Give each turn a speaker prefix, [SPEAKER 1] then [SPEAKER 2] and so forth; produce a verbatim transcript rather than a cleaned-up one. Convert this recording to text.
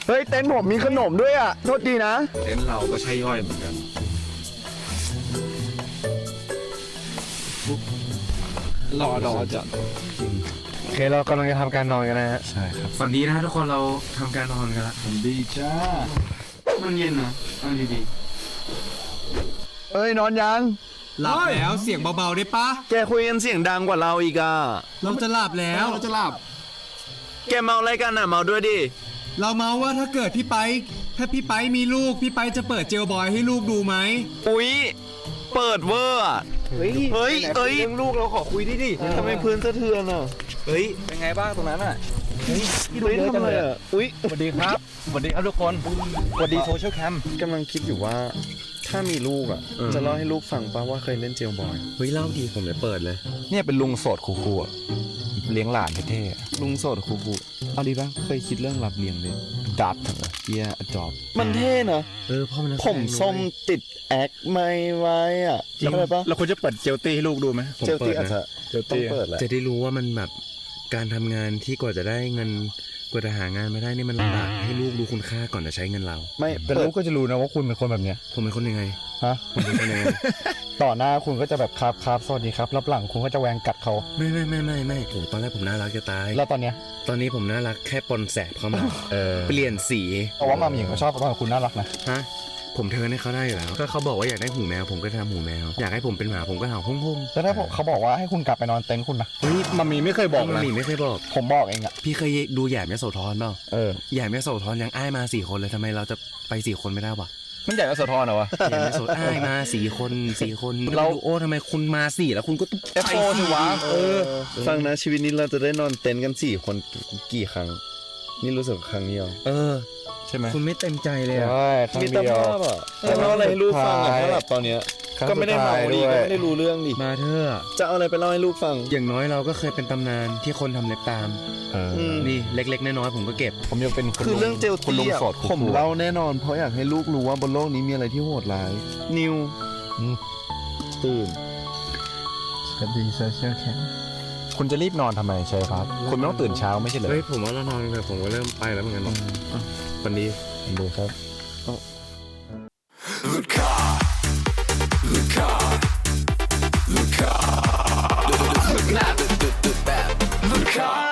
[SPEAKER 1] เฮ้ยเต็นท์ผมมีขนมด้วยอ่ะโทษดีนะ
[SPEAKER 2] เต็นท์เราก็ใช่ย่อยเหมือนกันรอรอจัด
[SPEAKER 3] โอเคเรากำลังจะทำการนอนกันนะฮะ
[SPEAKER 2] ใช่ครับ
[SPEAKER 3] วันนี้นะทุกคนเราทำการนอนกันละ
[SPEAKER 2] ดีจ้า
[SPEAKER 3] มันเย็นนะนอนดี
[SPEAKER 1] เอ้ยนอนยัง
[SPEAKER 3] ๆหลับแล้วเสียงเบาๆได้ปะ
[SPEAKER 1] แกคุยกันเสียงดังกว่าเราอีกอ่ะ
[SPEAKER 3] เราจะหลับแล้ว
[SPEAKER 2] เราจะหลับ
[SPEAKER 1] แกเมาอะไรกันอ่ะเมาด้วยดิ
[SPEAKER 3] เราเมาว่าถ้าเกิดพี่ไปถ้าพี่ไปมีลูกพี่ไปจะเปิดเจลบอยให้ลูกดูไหม
[SPEAKER 1] อุ๊ยเปิดเวอร์อ่ะเฮ้ยเฮ้ยเอ้ยเรื่องลูกเราขอคุยดิดิทำไมพื้นสะเทือนอ่ะเฮ้ย
[SPEAKER 3] เป็นไงบ้างตรงนั้นอ่ะ
[SPEAKER 1] เฮ้ยดูเยอะจังเลยอ่ะอุ๊ย
[SPEAKER 3] สวัสดีครับสวัสดีครับทุกคนสวัสดีโซเชียลแคมป์
[SPEAKER 1] กำลังคิดอยู่ว่าถ้ามีลูกอ่ะจะเล่าให้ลูกฟังป่ะว่าเคยเล่นเจลบอย
[SPEAKER 3] เฮ้ยเล่าดีผมเลยเปิดเลย
[SPEAKER 2] เนี่ยเป็นลุงโสดคูๆอ่ะเลี้ยงหลานเท่
[SPEAKER 1] ลุงโสดคูๆเอาดีป่ะเคยคิดเรื่องรับเลี้ยงเลย
[SPEAKER 2] ดัด
[SPEAKER 1] เกียร์จอบมันเท่นะ
[SPEAKER 3] เออพ่อมัน
[SPEAKER 1] ผมส้มติดแอคไม่ไว้อ่ะจำได้ปะ
[SPEAKER 2] เราควรจะเปิดเจลตี้ให้ลูกดูไหม
[SPEAKER 1] เจลตี้อาจจะต้องเปิดแหละ
[SPEAKER 3] จะได้รู้ว่ามันแบบการทำงานที่กว่าจะได้เงินกว่าจะหางานมาได้นี่มันลำบากให้ลูกรู้คุณค่าก่อนจะใช้เงินเรา
[SPEAKER 1] ไม่
[SPEAKER 2] แต่ลูกก็จะรู้นะว่าคุณเป็นคนแบบเนี้ย
[SPEAKER 3] ผมเป็นคนยังไง
[SPEAKER 2] ฮะ
[SPEAKER 3] ผมเป็นคนยังไง
[SPEAKER 2] ต่อหน้าคุณก็จะแบบครับครับสวัสดีครับรับหลังคุณก็จะแหวงกัดเขา
[SPEAKER 3] ไม่ไม่ไม่ไม่ไม่โอ้ตอนแรกผมน่ารักจะตาย
[SPEAKER 2] แล้วตอนเนี้ย
[SPEAKER 3] ตอนนี้ผมน่ารักแค่ปนแสบเข้ามา
[SPEAKER 2] เออ
[SPEAKER 3] เปลี่ยนสี
[SPEAKER 2] เพราะว่ามามีเขาชอบเพราะว่าคุณน่ารักนะ
[SPEAKER 3] ฮะผมเทิร์นให้เขาได้อยู่แล้วก็เขาบอกว่าอยากได้หูแมวผมก็ทำหูแมวอยากให้ผมเป็นหมาผมก็เห่าพุ่งพุ่ง
[SPEAKER 2] แล้วถ้าเขาบอกว่าให้คุณกลับไปนอนเต็นท์คุณนะ
[SPEAKER 3] เฮ้ย
[SPEAKER 2] มามีไม่เคยบอกนะ
[SPEAKER 3] มามีไม่เคยบอก
[SPEAKER 2] ผมบอกเองอะ
[SPEAKER 3] พี่เคยดูแหย่มยโสธรเปล่า
[SPEAKER 2] เออ
[SPEAKER 3] แหย่มยโสธรยังอ้ายมาสี่คนเลยทำไมเราจะไปสี่คนไม่ได้วะ
[SPEAKER 2] มันใหญ่กว่าโสธรเหรอวะ
[SPEAKER 3] แหย่มยโสอ้ายมาสี่คนสี่คนเราโอ้ทำไมคุณมาสี่แล้วคุณก็ต้อง
[SPEAKER 2] เอฟโฟสิวะ
[SPEAKER 1] เออฟังนะชีวิตนี้เราจะได้นอนเต็นท์กันสี่คนกี่ครั้งนี่รู้สึกครั้งเดียว
[SPEAKER 3] เออ
[SPEAKER 2] ใช่ไหม
[SPEAKER 3] คุณไม่เต็มใจเลยอ่ะ
[SPEAKER 1] มีตาภาพอ่ะจะเล่าอะไรให้ลูกฟังอ่ะถ้าแบบตอนเนี้ยก็ไม่ได้เมาดีก็ไม่ได้รู้เรื่องดิ
[SPEAKER 3] มาเถอะ
[SPEAKER 1] จะเอาอะไรไปเล่าให้ลูกฟัง
[SPEAKER 3] อย่างน้อยเราก็เคยเป็นตำนานที่คนทำเล็บตามนี่เล็กๆน้อยๆผมก็เก็บ
[SPEAKER 2] ผมยังเป็น
[SPEAKER 1] คือเรื่องเจลตี้อ่ะผมเล่าแน่นอนเพราะอยากให้ลูกรู้ว่าบนโลกนี้มีอะไรที่โหดร้ายนิวตื่น
[SPEAKER 2] สวัสดีโซเชียลแคมป์คุณจะรีบนอนทำไมชัยพัฒน์คุณไม่ต้องตื่นเช้าไม่ใช่เหรอ
[SPEAKER 3] เฮ้ยผมว่าเรานอนเลยผมก็เริ่มไปแล้วเหมือนกันวันนี้
[SPEAKER 2] ดูครับ
[SPEAKER 4] Look out Look out Look out Look out Look out